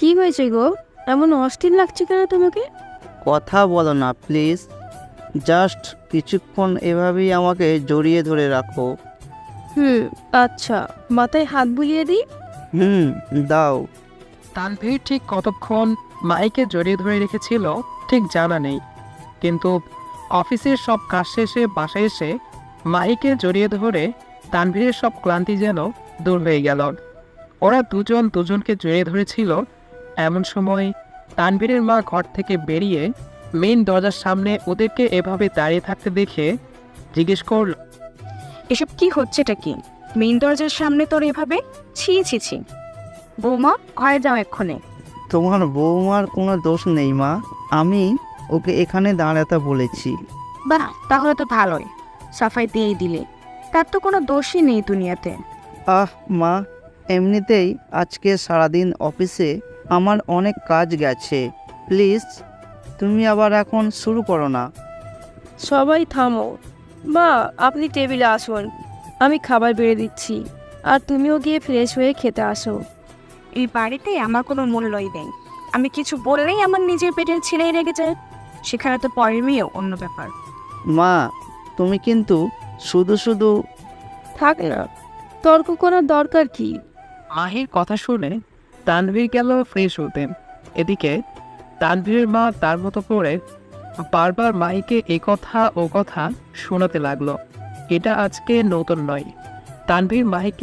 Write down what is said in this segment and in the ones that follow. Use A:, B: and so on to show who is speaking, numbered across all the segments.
A: হয়েছে গো? এমন অস্থির লাগছে কেন তোমাকে?
B: কথা বলো না প্লিজ। জাস্ট কিছুক্ষণ এভাবেই আমাকে জড়িয়ে ধরে রাখো।
A: হুম, আচ্ছা, মাথায় হাত বুলিয়ে দিই।
B: হুম, দাও।
C: তানভীর ঠিক কতক্ষণ মাইকে জড়িয়ে ধরে রেখেছিল ঠিক জানা নেই, কিন্তু অফিসের সব কাজ শেষে বাসায় এসে মাইকে জড়িয়ে ধরে তানভীরের সব ক্লান্তি যেন দূর হয়ে গেল। ওরা দুজন দুজনকে জড়িয়ে ধরেছিল। এমন সময় তানভীরের মা ঘর থেকে বেরিয়ে মেইন দরজার সামনে ওদেরকে এভাবে দাঁড়িয়ে থাকতে দেখে জিজ্ঞেস করল,
D: এসব কি হচ্ছেটা কি? মেইন দরজার সামনে তোর এভাবে? ছি ছি ছি। বৌমা, ঘরে যাও এক্ষণে।
B: তোমার বৌমার কোনো দোষ নেই মা, আমি ওকে এখানে দাঁড়াতে বলেছি।
D: বাহ, তাহলে তো ভালোই, সাফাই দিয়েই দিলে। তার তো কোনো দোষই নেই দুনিয়াতে।
B: মা, এমনিতেই আজকে সারাদিন অফিসে আমার অনেক কাজ গেছে। প্লিজ তুমি আবার এখন শুরু করো না।
A: সবাই থামো। মা, আপনি টেবিলে আসুন, আমি খাবার বেড়ে দিচ্ছি। আর তুমিও গিয়ে ফ্রেশ হয়ে খেতে আসো।
D: এই বাড়িতে আমার কোনো মূল্যই নেই। আমি কিছু বললেই আমার নিজের পেটের ছিঁড়েই রেগে যায়। সেখানে তো পরের মেয়েও অন্য ব্যাপার।
B: মা, তুমি কিন্তু শুধু শুধু
A: থাক না, তর্ক করার দরকার কি?
C: মাহির কথা শুনে তানভীর গেল ফ্রেশ হতে। এদিকে তানভীরের মা তার মতো করে বারবার মাহিকে এ কথা ও কথা শোনাতে লাগলো। এটা আজকে নতুন নয়, তানভীর মাহিকে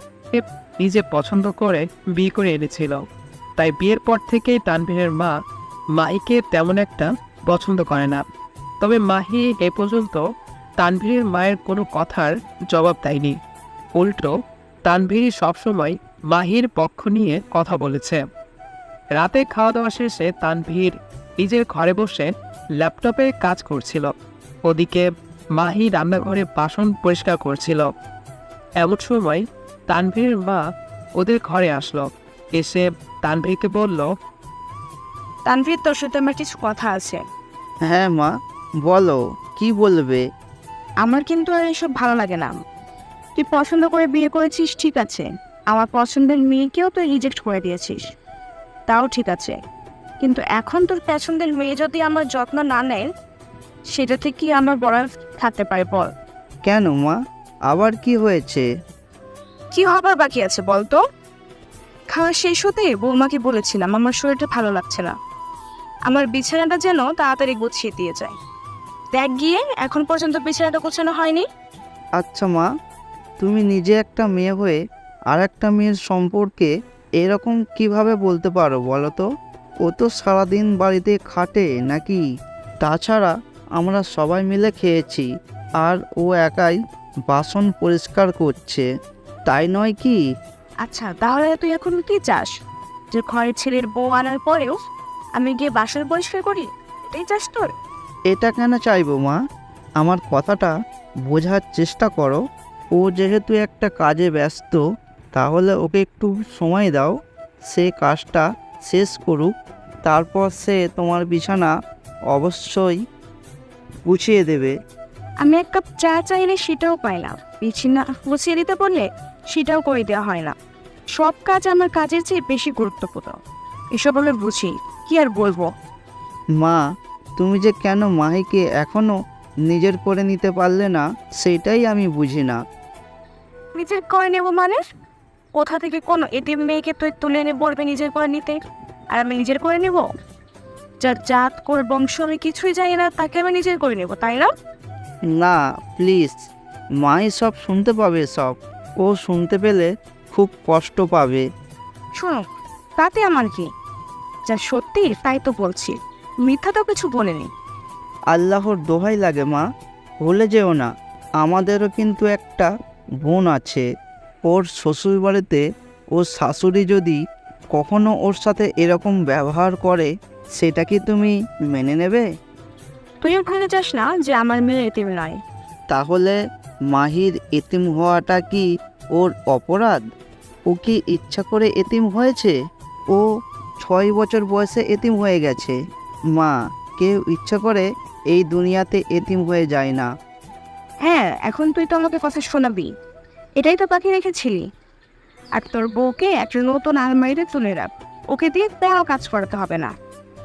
C: নিজে পছন্দ করে বিয়ে করে এনেছিল। তাই বিয়ের পর থেকেই তানভীরের মা মাহিকে তেমন একটা পছন্দ করে না। তবে মাহি এ পর্যন্ত তানভীরের মায়ের কোনো কথার জবাব দেয়নি। উল্টো তানভীর সবসময় মাহির পক্ষ নিয়ে কথা বলেছে। রাতে খাওয়া দাওয়া শেষে তানভীর নিজের ঘরে বসে ল্যাপটপে কাজ করছিল। ওদিকে মাহি রান্নাঘরে বাসন পরিষ্কার করছিল। এমন সময় তানভীরের মা ওদের ঘরে আসলো। এসে তানভীরকে বলল,
D: তানভীর, তোর সাথে আমার কিছু কথা আছে।
B: হ্যাঁ মা, বলো কি বলবে।
D: আমার কিন্তু আর এসব ভালো লাগে না। তুই পছন্দ করে বিয়ে করেছিস, ঠিক আছে। আমার পছন্দের মেয়েকেও তুই রিজেক্ট করে দিয়েছিস, তাও ঠিক আছে। কিন্তু এখন তোর পছন্দের মেয়ে যদি আমার যত্ন না নেয়, সেটা থেকে আমার বড় থাকতে পারে বল?
B: কেন মা, আবার কি হয়েছে?
D: কি হবার বাকি আছে বল তো? খাওয়া শেষ হতে বৌমাকে বলেছিলাম আমার শরীরটা ভালো লাগছে না, আমার বিছানাটা যেন তাড়াতাড়ি গুছিয়ে দিয়ে যায়। দেখ গিয়ে, এখন পর্যন্ত বিছানাটা গোছানো হয়নি।
B: আচ্ছা মা, তুমি নিজে একটা মেয়ে হয়ে আর একটা মেয়ের সম্পর্কে এরকম কিভাবে বলতে পারো বলো তো? ও তো সারাদিন বাড়িতে খাটে নাকি? তাছাড়া আমরা সবাই মিলে খেয়েছি, আর ও একাই বাসন পরিষ্কার করছে, তাই নয় কি?
D: আচ্ছা, তাহলে তুই এখন কি চাস? যে ঘরের ছেলের বউ আনার পরেও আমি গিয়ে বাসন পরিষ্কার করি, এটাই চাস তোর?
B: এটা কেন চাইবো মা? আমার কথাটা বোঝার চেষ্টা করো। ও যেহেতু একটা কাজে ব্যস্ত, তাহলে ওকে একটু সময় দাও, সে কাজটা শেষ করুক, তারপর সে তোমার বিছানা অবশ্যই গুছিয়ে দেবে।
D: আমি এক কাপ চা চাইলে সেটাও পাই না, বিছানা গুছিয়ে দিতে বললে সেটাও করে দেওয়া হয় না। সব কাজ আমার কাজের চেয়ে বেশি গুরুত্বপূর্ণ। এসব আমি বুঝি, কি আর বলবো।
B: মা, তুমি যে কেন মাহিকে এখনও নিজের করে নিতে পারলে না, সেটাই আমি বুঝি না।
D: নিজের করে নেবো মানে? কোথা থেকে কোনো এতিম মেয়েকে তুই তুলে এনে বলবে নিজের করে নিতে, আর আমি নিজের করে নেব? যার জাত করে বংশ আমি কিছুই জানি না, তাকে আমি নিজের করে নেব, তাই না?
B: না প্লিজ, মাই সব শুনতে পাবে সব। ও শুনতে পেলে খুব কষ্ট পাবে।
D: শোনো, তাতে আমার কি? যা সত্যি তাই তো বলছি, মিথ্যা তো কিছু বলিনি।
B: আল্লাহর দোহাই লাগে মা, ভুলে যেও না, আমাদেরও কিন্তু একটা বোন আছে। ওর শ্বশুর বাড়িতে ওর শাশুড়ি যদি কখনো ওর সাথে এরকম ব্যবহার করে, সেটা কি তুমি মেনে নেবে?
D: তুইও ভুলে যাস না যে আমার মেয়ে এতিম নয়।
B: তাহলে মাহির এতিম হওয়াটা কি ওর অপরাধ? ও কি ইচ্ছা করে এতিম হয়েছে? ও 6 বছর বয়সে এতিম হয়ে গেছে। মা, কেউ ইচ্ছা করে এই দুনিয়াতে এতিম হয়ে যায় না।
D: হ্যাঁ, এখন তুই তো আমাকে কথা শোনাবি, এটাই তো বাকি রেখেছিলি। আর তোর বউকে একটা নতুন আলমারিতে তুলে রাখ, ও ওকে দিয়ে কোনো কাজ করাতে হবে না।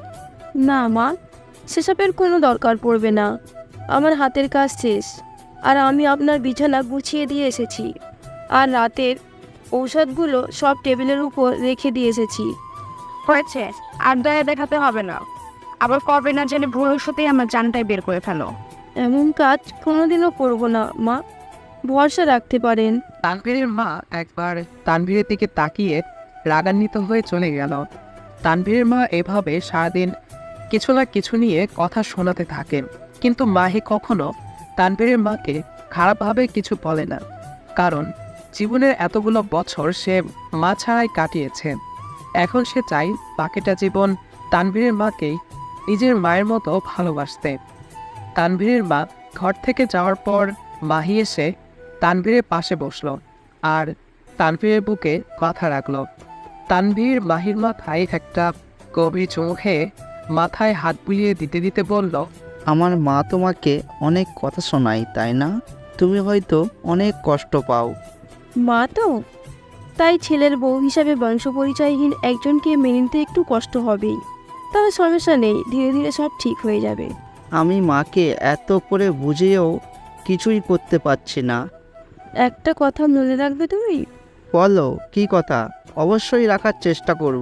A: না মা, সেসবের কোনো দরকার পড়বে না। আমার হাতের কাজ শেষ, আর আমি আপনার বিছানা গুছিয়ে দিয়ে এসেছি, আর রাতের ঔষধগুলো সব টেবিলের উপর রেখে দিয়ে এসেছি।
D: হয়েছে, আর দয়া দেখাতে হবে না। আবার করবে না জেনে ভবিষ্যতেই আমার জানটাই বের করে ফেলো।
A: এমন কাজ কোনোদিনও করব না মা, ভরসা রাখতে পারেন।
C: তানভীরের মা একবার তানভীরের দিকে তাকিয়ে রাগান্বিত হয়ে চলে গেল। তানভীরের মা এভাবে সারাদিন কিছু না কিছু নিয়ে কথা শোনাতে থাকেন, কিন্তু মাহি কখনো তানভীরের মাকে খারাপভাবে কিছু বলে না, কারণ জীবনের এতগুলো বছর সে মা ছাড়াই কাটিয়েছে। এখন সে চায় বাকিটা জীবন তানভীরের মাকেই নিজের মায়ের মতো ভালোবাসতে। তানভীরের মা ঘর থেকে যাওয়ার পর মাহি এসে তানভীরের পাশে বসলো আর তানভীরের বুকে মাথা রাখলো। তানভীর মাহির মাথায় একটা গভীর চুমু খেয়ে মাথায় হাত বুলিয়ে দিতে দিতে বলল,
B: আমার মা তোমাকে অনেক কথা শোনায়, তাই না? তুমি হয়তো অনেক কষ্ট পাও।
A: মা তো, তাই ছেলের বউ হিসাবে বংশ পরিচয়হীন একজনকে মেনে নিতে একটু কষ্ট হবেই। তবে সমস্যা নেই, ধীরে ধীরে সব ঠিক হয়ে যাবে।
B: আমি মাকে এত করে বুঝিয়েও কিছুই করতে পারছি না।
A: একটা কথা মনে রাখবে তুমি,
B: বলো, কি কথা? অবশ্যই রাখার চেষ্টা করব।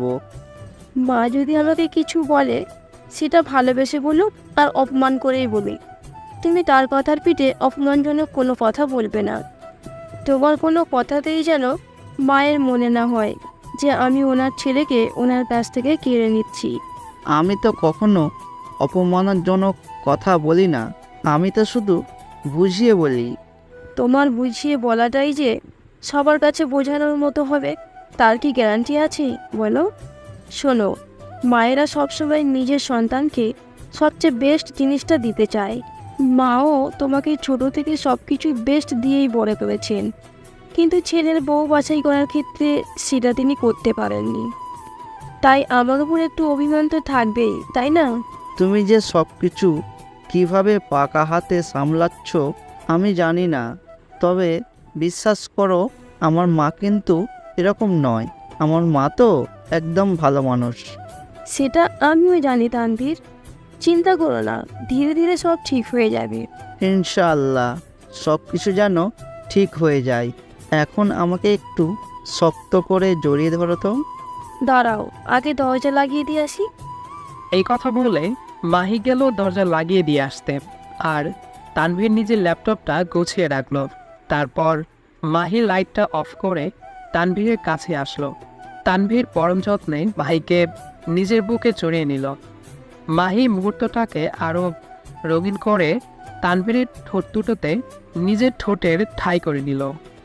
A: মা যদি আমাকে কিছু বলে সেটা ভালোবেসে বলুক আর অপমান করেই বলুক, তুমি তার কথার পিঠে অপমানজনক কোনো কথা বলবে না। তোমার কোনো কথাতেই যেন মায়ের মনে না হয় যে আমি ওনার ছেলেকে ওনার কাছ থেকে কেড়ে নিচ্ছি।
B: আমি তো কখনো অপমানজনক কথা বলি না, আমি তো শুধু বুঝিয়ে বলি।
A: তোমার বুঝিয়ে বলাটাই যে সবার কাছে বোঝানোর মতো হবে তার কি গ্যারান্টি আছে বলো? শোনো, মায়েরা সবসময় নিজের সন্তানকে সবচেয়ে বেস্ট জিনিসটা দিতে চায়। মাও তোমাকে ছোট থেকে সব কিছুই বেস্ট দিয়েই বড় করেছেন, কিন্তু ছেলের বউ বাছাই করার ক্ষেত্রে সেটা তিনি করতে পারেননি। তাই আমার উপর একটু অভিমান তো থাকবেই, তাই না?
B: তুমি যে সব কিছু কীভাবে পাকা হাতে সামলাচ্ছ আমি জানি না, তবে বিশ্বাস করো, আমার মা কিন্তু এরকম নয়। আমার মা তো একদম ভালো মানুষ।
A: সেটা আমিও জানি তানভীর, চিন্তা করো না, ধীরে ধীরে সব ঠিক হয়ে যাবে।
B: ইনশাআল্লাহ সব কিছু যেন ঠিক হয়ে যায়। এখন আমাকে একটু শক্ত করে জড়িয়ে ধরো তো।
A: দাঁড়াও, আগে দরজা লাগিয়ে দিয়ে আসি।
C: এই কথা বলে মাহি গেল দরজা লাগিয়ে দিয়ে আসতে, আর তানভীর নিজের ল্যাপটপটা গুছিয়ে রাখলো। তারপর মাহি লাইটটা অফ করে তানভীরের কাছে আসলো। তানভীর পরম যত্নে মাহিকে নিজের বুকে চড়িয়ে নিল। মাহি মুহূর্তটাকে আরও রঙিন করে তানভীরের ঠোঁট দুটোতে নিজের ঠোঁটের ঠাঁই করে নিল।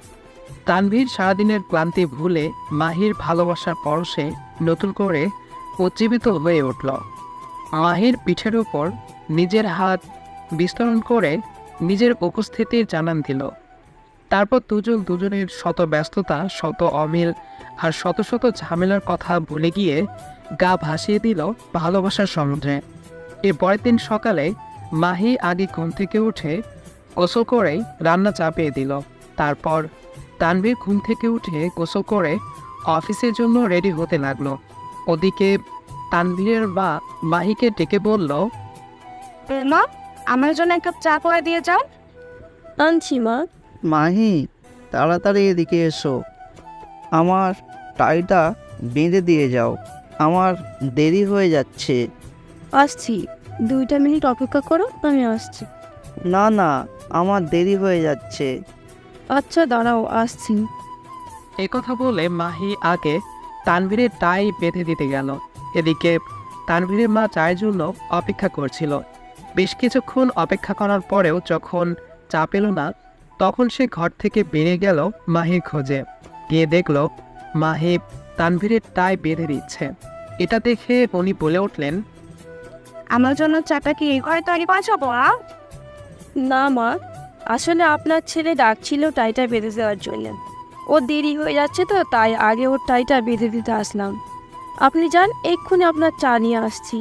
C: তানভীর সারাদিনের ক্লান্তি ভুলে মাহির ভালোবাসার পরশে নতুন করে উজ্জীবিত হয়ে উঠল। মাহির পিঠের উপর নিজের হাত বিস্তরণ করে নিজের উপস্থিতির জানান দিল। তারপর দুজন দুজনের শত ব্যস্ততা, শত অমিল আর শত শত ঝামেলার কথা ভুলে গিয়ে গা ভাসিয়ে দিল ভালোবাসার সমুদ্রে। এর পরের দিন সকালে মাহি আগে ঘুম থেকে উঠে গোসল করেই রান্না চাপিয়ে দিল। তারপর তানভীর ঘুম থেকে উঠে গোসল করে অফিসের জন্য রেডি হতে লাগলো। ওদিকে তানভীরের মা মাহিকে ডেকে বলল,
D: মা, আমার জন্য এক কাপ চা করে দিয়ে যাও।
A: আনছি মা।
B: মাহি, তাড়াতাড়ি এদিকে এসো, আমার টাইটা বেঁধে দিয়ে যাও, আমার দেরি হয়ে যাচ্ছে।
A: আসছি, 2 মিনিট অপেক্ষা করো, আমি আসছি।
B: না না, আমার দেরি হয়ে যাচ্ছে।
A: আচ্ছা দাঁড়াও, আসছি।
C: এই কথা বলে মাহি আগে তানভীরের টাই বেঁধে দিতে গেল। এদিকে তানভীরের মা চায়ের জন্য অপেক্ষা করছিল। বেশ কিছুক্ষণ অপেক্ষা করার পরেও যখন চা পেল না, তখন সে ঘর থেকে বেরিয়ে গেল মাহির খোঁজে। গিয়ে দেখল মাহি তানভীরের টাই বেঁধে দিচ্ছে। এটা দেখে উনি বলে উঠলেন,
D: আমার জন্য চাটা কি এই ঘরে তৈরি করেছো বড়া?
A: না মা, আসলে আপনার ছেলে ডাকছিল টাইটা বেঁধে দেওয়ার জন্য। ও দেরি হয়ে যাচ্ছে তো, তাই আগে ওর টাইটা বেঁধে দিতে আসলাম। আপনি যান, এক্ষুনি আপনার চা নিয়ে আসছি।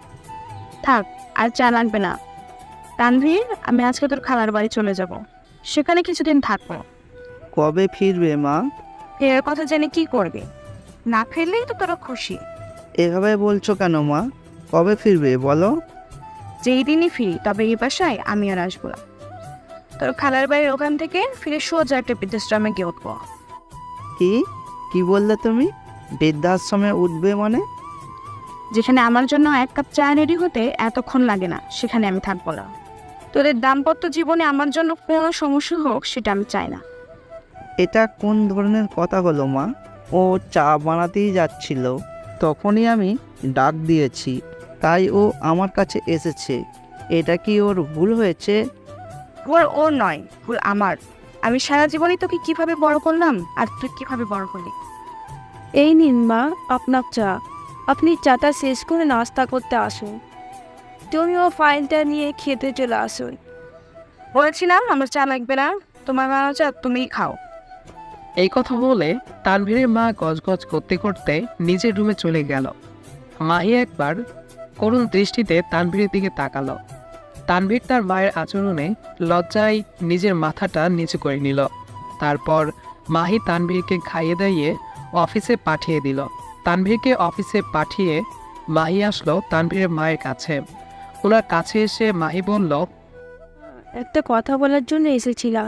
D: থাক, আর চা লাগবে না। তানভীর, আমি আজকে তোর খালার বাড়ি চলে যাব, সেখানে কিছুদিন থাকবো।
B: কবে ফিরবে মা?
D: ফেরার কথা জেনে কি করবে? না ফিরলেই তো তোরা খুশি।
B: এভাবে বলছো কেন মা? কবে ফিরবে বলো?
D: যেই দিনই ফিরি তবে এই বাসায় আমি আর আসবো না। তোর খালার বাড়ির ওখান থেকে ফিরে সোজা একটা বৃদ্ধাশ্রমে গিয়ে উঠবো।
B: কি কি বললে তুমি? বৃদ্ধাশ্রমে উঠবে মানে?
D: যেখানে আমার জন্য 1 কাপ চা রেডি হতে এতক্ষণ লাগে না, সেখানে আমি থাকবো না। তোদের দাম্পত্য জীবনে আমার জন্য কোনো সমস্যা হোক সেটা আমি চাই না।
B: এটা কোন ধরনের কথা হলো মা? ও চা বানাতেই যাচ্ছিল, তখনই আমি ডাক দিয়েছি, তাই ও আমার কাছে এসেছে। এটা কি ওর ভুল হয়েছে?
D: ভুল ওর নয়, ভুল আমার। আমি সারা জীবনই তোকে কিভাবে বড় করলাম আর তুই কিভাবে বড় করলি।
A: এই নিন মা আপনার চা। আপনি চাটা শেষ করে নাস্তা করতে আসুন। তুমিও ফাইলটা নিয়ে খেতে চলে আসুন।
D: বলেছিলাম আমার চা লাগবে না, তোমার বানানো চা তুমিই খাও।
C: এই কথা বলে তানভীরের মা গজগজ করতে করতে নিজের রুমে চলে গেল। মাহি একবার করুণ দৃষ্টিতে তানভীরের দিকে তাকালো। তানভীর তার মায়ের আচরণে লজ্জায় নিজের মাথাটা নিচু করে নিল। তারপর মাহি তানভীরকে খাইয়ে দাইয়ে অফিসে পাঠিয়ে দিল। তানভীরকে অফিসে পাঠিয়ে মাহি আসলো তানভীরের মায়ের কাছে। ওনার কাছে এসে মাহি বলল,
A: একটা কথা বলার জন্য এসেছিলাম।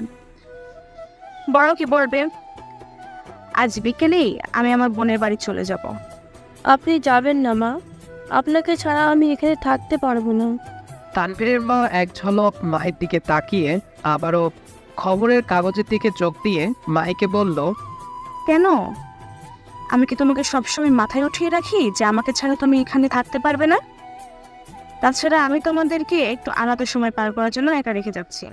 D: বড় কি বলবে? আজ বিকেলেই আমি আমার বোনের বাড়ি চলে যাব।
A: আপনি যাবেন না মা, আপনাকে ছাড়া আমি এখানে থাকতে পারবো না।
C: তানভীরের মা এক ঝলক মাহির দিকে তাকিয়ে আবারও খবরের কাগজের দিকে চোখ দিয়ে মাহিকে বলল,
D: কেন? আমি কি তোমাকে সবসময় মাথায় উঠিয়ে রাখি যে আমাকে ছাড়া তুমি এখানে থাকতে পারবে না? তাছাড়া আমি তোমাদেরকে একটু আলাদা সময় পার করার জন্য একা রেখে যাচ্ছি।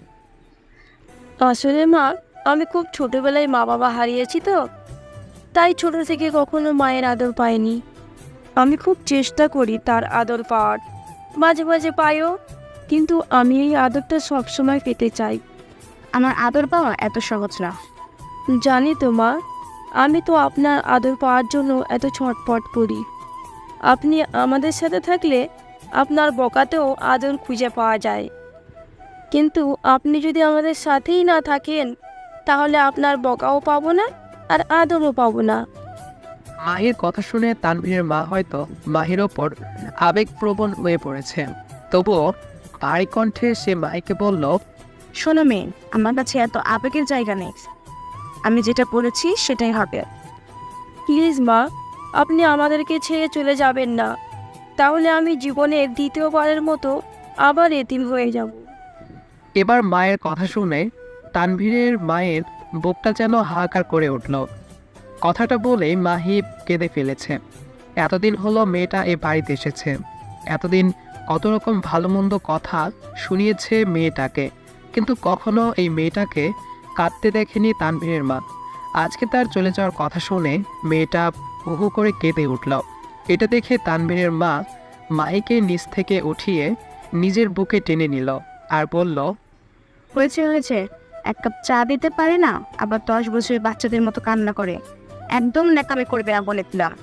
A: আসলে মা, আমি খুব ছোটবেলায় মা বাবা হারিয়েছি তো, তাই ছোট থেকে কখনো মায়ের আদর পাইনি। আমি খুব চেষ্টা করি তার আদর পাওয়ার, মাঝে মাঝে পাইও, কিন্তু আমি এই আদরটা সবসময় পেতে চাই।
D: আমার আদর পাওয়া এত সহজ না।
A: জানি তো মা, আমি তো আপনার আদর পাওয়ার জন্য এত ছটফট করি। আপনি আমাদের সাথে থাকলে আপনার বকাতেও আদর খুঁজে পাওয়া যায়, কিন্তু আপনি যদি আমাদের সাথেই না থাকেন তাহলে আপনার বকাও পাবো না আর আদরও পাবো না।
C: মাহির কথা শুনে তানভীরের মা হয়তো মাহির ওপর আবেগপ্রবণ হয়ে পড়েছে। তবুও ভারী কণ্ঠে সে মাহিকে বলল,
D: শোনো মেয়ে, আমার কাছে এত আবেগের জায়গা নেই। আমি যেটা বলেছি সেটাই হবে।
A: প্লিজ মা, আপনি আমাদেরকে ছেড়ে চলে যাবেন না, তাহলে আমি জীবনের দ্বিতীয়বারের মতো আবার এতিম হয়ে যাব।
C: এবার মায়ের কথা শুনে তানভীরের মায়ের বুকটা যেন হাহাকার করে উঠল। কথাটা বলে মাহি কেঁদে ফেলেছে। এতদিন হলো মেয়েটা এ বাড়িতে এসেছে, এতদিন কত রকম ভালো মন্দ কথা শুনিয়েছে মেয়েটাকে, কিন্তু কখনো এই মেয়েটাকে কাঁদতে দেখেনি তানভীরের মা। আজকে তার চলে যাওয়ার কথা শুনে মেয়েটা হু করে কেঁদে উঠল। এটা দেখে তানভীরের মা মাহিকে নিচ থেকে উঠিয়ে নিজের বুকে টেনে নিল আর বলল,
D: হয়েছে, 1 কাপ চা দিতে পারে না, আবার 10 বছরের বাচ্চাদের মতো কান্না করে। একদম ন্যাকামি করবে না বলে দিলাম।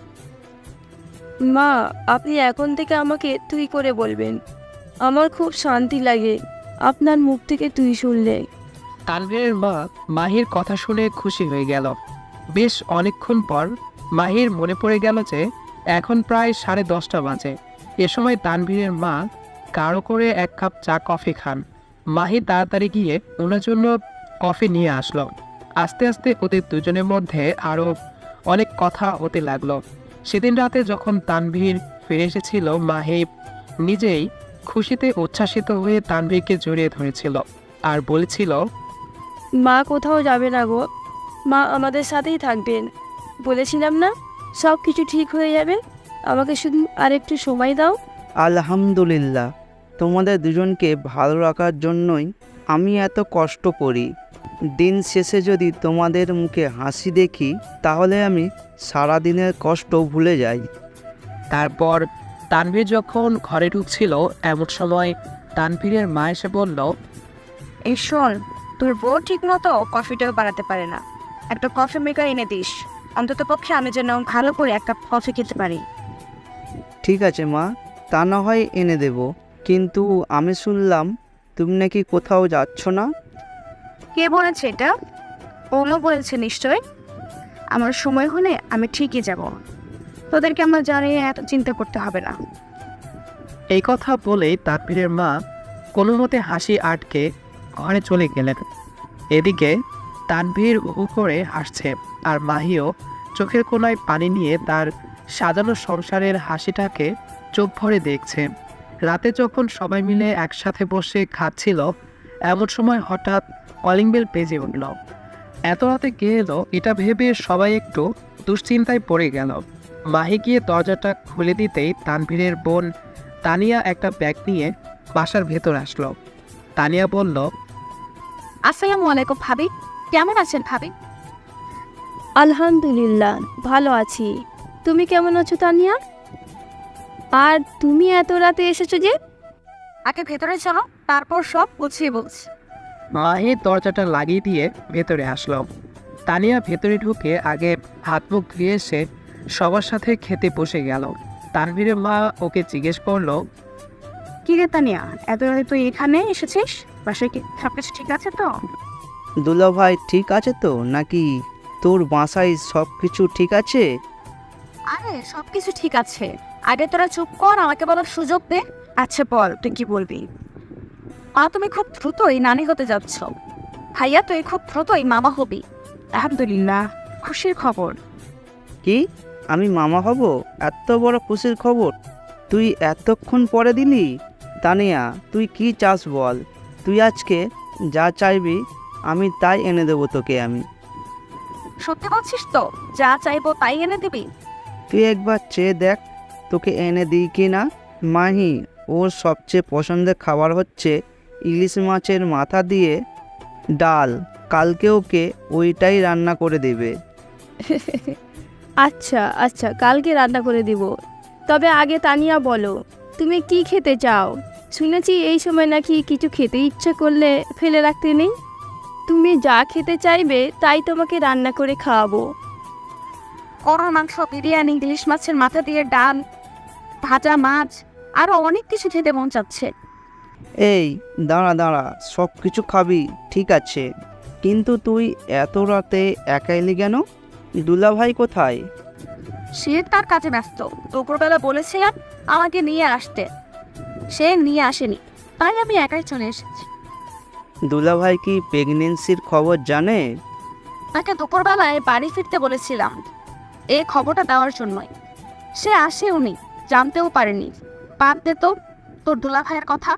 A: মা, আপনি এখন থেকে আমাকে তুই করে বলবেন। আমার খুব শান্তি লাগে আপনার মুখ থেকে তুই শুনলে।
C: তানভীরের মা মাহির কথা শুনে খুশি হয়ে গেল। বেশ অনেকক্ষণ পর মাহির মনে পড়ে গেল যে এখন প্রায় 10:30 বাজে। এ সময় তানভীরের মা গাঢ় করে 1 কাপ চা কফি খান। মাহি তাড়াতাড়ি গিয়ে ওনার জন্য কফি নিয়ে আসলো। আস্তে আস্তে ওদের দুজনের মধ্যে আরও অনেক কথা হতে লাগলো। সেদিন রাতে যখন তানভীর ফিরে এসেছিল, মাহি নিজেই খুশিতে উচ্ছ্বাসিত হয়ে তানভীরকে জড়িয়ে ধরেছিল আর বলেছিল,
A: মা কোথাও যাবে না গো, মা আমাদের সাথেই থাকবেন। বলেছিলাম না সব কিছু ঠিক হয়ে যাবে, আমাকে শুধু আর একটু সময় দাও।
B: আলহামদুলিল্লাহ, তোমাদের দুজনকে ভালো রাখার জন্যই আমি এত কষ্ট করি। দিন শেষে যদি তোমাদের মুখে হাসি দেখি তাহলে আমি সারা দিনের কষ্ট ভুলে যাই।
C: তারপর তানভীর যখন ঘরে ঢুকছিল এমন সময় তানভীরের মা এসে বলল,
D: এই শোন, তোর বউ ঠিক মতো কফিটাও বানাতে পারে না, একটা কফি মেকার এনে দিস। অন্তত পক্ষে আমি যেন ভালো করে 1 কাপ কফি খেতে পারি।
B: ঠিক আছে মা, তা না হয় এনে দেব, কিন্তু আমি শুনলাম তুমি নাকি কোথাও যাচ্ছ না।
D: কে বলেছে এটা? ওনো বলেছে নিশ্চয়। আমার সময় হলে আমি ঠিকই যাব। তোদেরকে আমরা জানিয়ে এত চিন্তা করতে হবে না।
C: এই কথা বলেই তানভীরের মা কোনো মতে হাসি আটকে ঘরে চলে গেলেন। এদিকে তানভীর হু করে হাসছে, আর মাহিও চোখের কোণায় পানি নিয়ে তার সাজানো সংসারের হাসিটাকে চোখ ভরে দেখছে। রাতে যখন সবাই মিলে একসাথে বসে খাচ্ছিল, এমন সময় হঠাৎ কলিং বেল বেজে উঠল। এত রাতে কে এলো এটা ভেবে সবাই একটু দুশ্চিন্তায় পড়ে গেল। মাহি গিয়ে দরজাটা খুলে দিতেই তানভীরের বোন তানিয়া একটা ব্যাগ নিয়ে বাসার ভেতর আসলো। তানিয়া বলল,
D: আসসালামু আলাইকুম ভাবি, কেমন আছেন ভাবি?
A: আলহামদুলিল্লাহ, ভালো আছি। তুমি কেমন আছো তানিয়া? আর তুমি এত রাতে এসেছো যে?
D: আগে ভেতরে চলো, তারপর সব গুছিয়ে বলছি।
C: মাহি দরজাটা লাগিয়ে দিয়ে ভেতরে আসলো। তানিয়া ভেতরে ঢুকে আগে হাত মুখ ধুয়ে এসে সবার সাথে খেতে বসে গেল। তানভীরের মা ওকে জিজ্ঞেস করলো,
D: কি রে তানিয়া, এত রাতে তুই এখানে এসেছিস? বাসায় কি সবকিছু ঠিক আছে তো?
B: দুলাভাই ঠিক আছে তো নাকি? তোর বাসায় সব কিছু ঠিক আছে?
D: আরে সবকিছু ঠিক আছে, আগে তোরা চুপ কর, আমাকে বলার সুযোগ দে। আচ্ছা বল, তুই কি বলবি? তুমি খুব দ্রুতই নানি হতে যাচ্ছ। ভাইয়া তুই খুব দ্রুতই মামা হবি। আলহামদুলিল্লাহ, খুশির খবর।
B: কি, আমি মামা হব? এত বড় খুশির খবর তুই এতক্ষণ পরে দিলি? তানিয়া, তুই কি চাস বল? তুই আজকে যা চাইবি আমি তাই এনে দেবো তোকে আমি।
D: সত্যি বলছিস তো? যা চাইবো তাই এনে দিবি?
B: তুই একবার চেয়ে দেখ তোকে এনে দিই কি না। মাহি, ওর সবচেয়ে পছন্দের খাবার হচ্ছে ইলিশ মাছের মাথা দিয়ে ডাল। কালকে ওকে ওইটাই রান্না করে দেবে।
A: আচ্ছা আচ্ছা, কালকে রান্না করে দিব। তবে আগে তানিয়া বলো, তুমি কি খেতে চাও? শুনেছি এই সময় নাকি কিছু খেতে ইচ্ছে করলে ফেলে রাখতে নেই। তুমি যা খেতে চাইবে তাই তোমাকে রান্না করে খাওয়াবো।
D: গরুর মাংস, বিরিয়ানি, ইলিশ মাছের মাথা দিয়ে ডাল, ভাজা মাছ, আরো অনেক কিছু খেতে মন চাচ্ছে।
B: এই দাঁড়া দাঁড়া, সব কিছু খাবি ঠিক আছে, কিন্তু তুই এত রাতে একা এলি কেন? দুলাভাই কোথায়?
D: সে তার কাজে ব্যস্ত। দুপুরবেলা বলেছিলাম আমাকে নিয়ে আসতে, সে নিয়ে আসেনি, তাই আমি একাই চলে এসেছি।
B: দুলাভাই কি প্রেগনেন্সির খবর জানে?
D: তাকে দুপুরবেলায় বাড়ি ফিরতে বলেছিলাম এই খবরটা দেওয়ার জন্যই। সে আসেওনি, জানতেও পারেনি। বাদ দে তো তোর দুলাভাইয়ের কথা।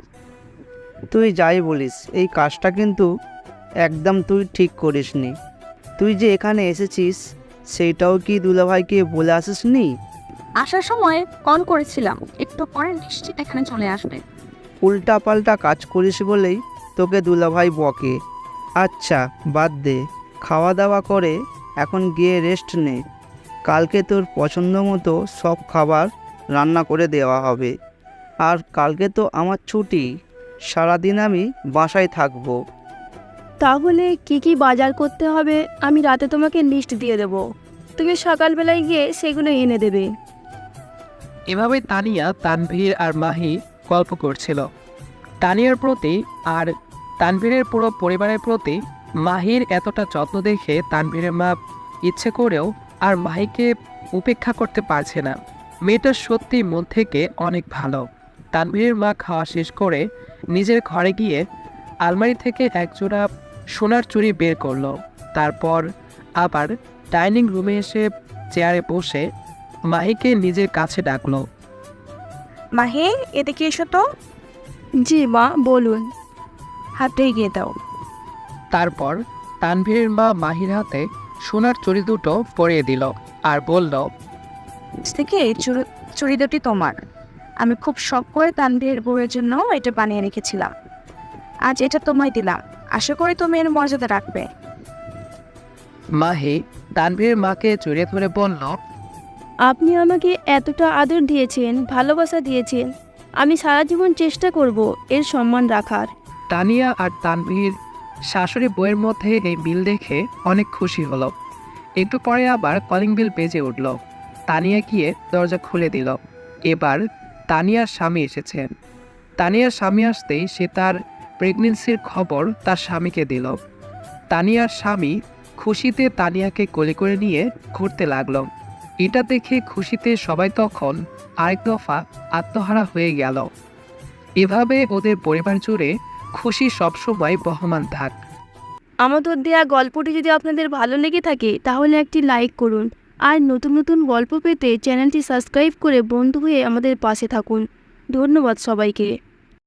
B: তুই যাই বলিস, এই কাজটা কিন্তু একদম তুই ঠিক করিসনি। তুই যে এখানে এসেছিস সেইটাও কি দুলাভাইকে বলে আসিসনি?
D: আসার সময় কল করেছিলাম, একটু পরে নিশ্চিত এখানে চলে আসবে।
B: উল্টা পাল্টা কাজ করিস বলেই তোকে দুলাভাই বকে। আচ্ছা বাদ দে, খাওয়া দাওয়া করে এখন গিয়ে রেস্ট নে। কালকে তোর পছন্দ মতো সব খাবার রান্না করে দেওয়া হবে। আর কালকে তো আমার ছুটি, সারাদিন আমি বাসায় থাকবো।
A: তাহলে কি কি বাজার করতে হবে আমি রাতে তোমাকে লিস্ট দিয়ে দেব। তুমি সকালবেলায় গিয়ে সেগুলো এনে দেবে।
C: এভাবে তানিয়া, তানভীর আর মাহি গল্প করছিল। তানিয়ার প্রতি আর তানভীরের পুরো পরিবারের প্রতি মাহির এতটা যত্ন দেখে তানভীরের মা ইচ্ছে করেও আর মাহিকে উপেক্ষা করতে পারছে না। মেয়েটা সত্যি মন থেকে অনেক ভালো। তানভীরের মা খাওয়া শেষ করে নিজের ঘরে গিয়ে আলমারি থেকে একজোড়া সোনার চুড়ি বের করলো। তারপর আবার ডাইনিং রুমে এসে চেয়ারে বসে মাহিকে নিজের কাছে ডাকলো।
D: মাহি, এদিকে এসো তো।
A: জি মা, বলুন।
D: হাতে এগিয়ে দাও।
C: তারপর তানভীরের মা মাহির হাতে সোনার চুড়ি দুটো পরিয়ে দিল আর বলল,
D: আজ থেকে এই চুড়ি দুটি তোমার। আমি খুব শখ করে তানভীরের বউয়ের জন্য এটা বানিয়ে রেখেছিলাম। আজ এটা তোমায় দিলাম, আশা করি তুমি এর মর্যাদা রাখবে।
C: মাহি তানভীরের মাকে জড়িয়ে ধরে বলল,
A: আপনি আমাকে এতটা আদর দিয়েছেন, ভালোবাসা দিয়েছেন, আমি সারা জীবন চেষ্টা করব এর সম্মান রাখার।
C: তানিয়া আর তানভীর শাশুড়ি বউয়ের মধ্যে এই বিল দেখে অনেক খুশি হলো। একটু পরে আবার কলিং বেল বেজে উঠল। তানিয়া গিয়ে দরজা খুলে দিল। এবার তানিয়ার স্বামী এসেছেন। তানিয়ার স্বামী আসতেই সে তার প্রেগনেন্সির খবর তার স্বামীকে দিল। তানিয়ার স্বামী খুশিতে তানিয়াকে কোলে করে নিয়ে ঘুরতে লাগলো। এটা দেখে খুশিতে সবাই তখন আরেক দফা আত্মহারা হয়ে গেল। এভাবে ওদের পরিবার জুড়ে খুশি সবসময় বহমান থাক।
A: আমাদের দেওয়া গল্পটি যদি আপনাদের ভালো লেগে থাকে তাহলে একটি লাইক করুন, আর নতুন নতুন গল্প পেতে চ্যানেলটি সাবস্ক্রাইব করে বন্ধু হয়ে আমাদের পাশে থাকুন। ধন্যবাদ সবাইকে।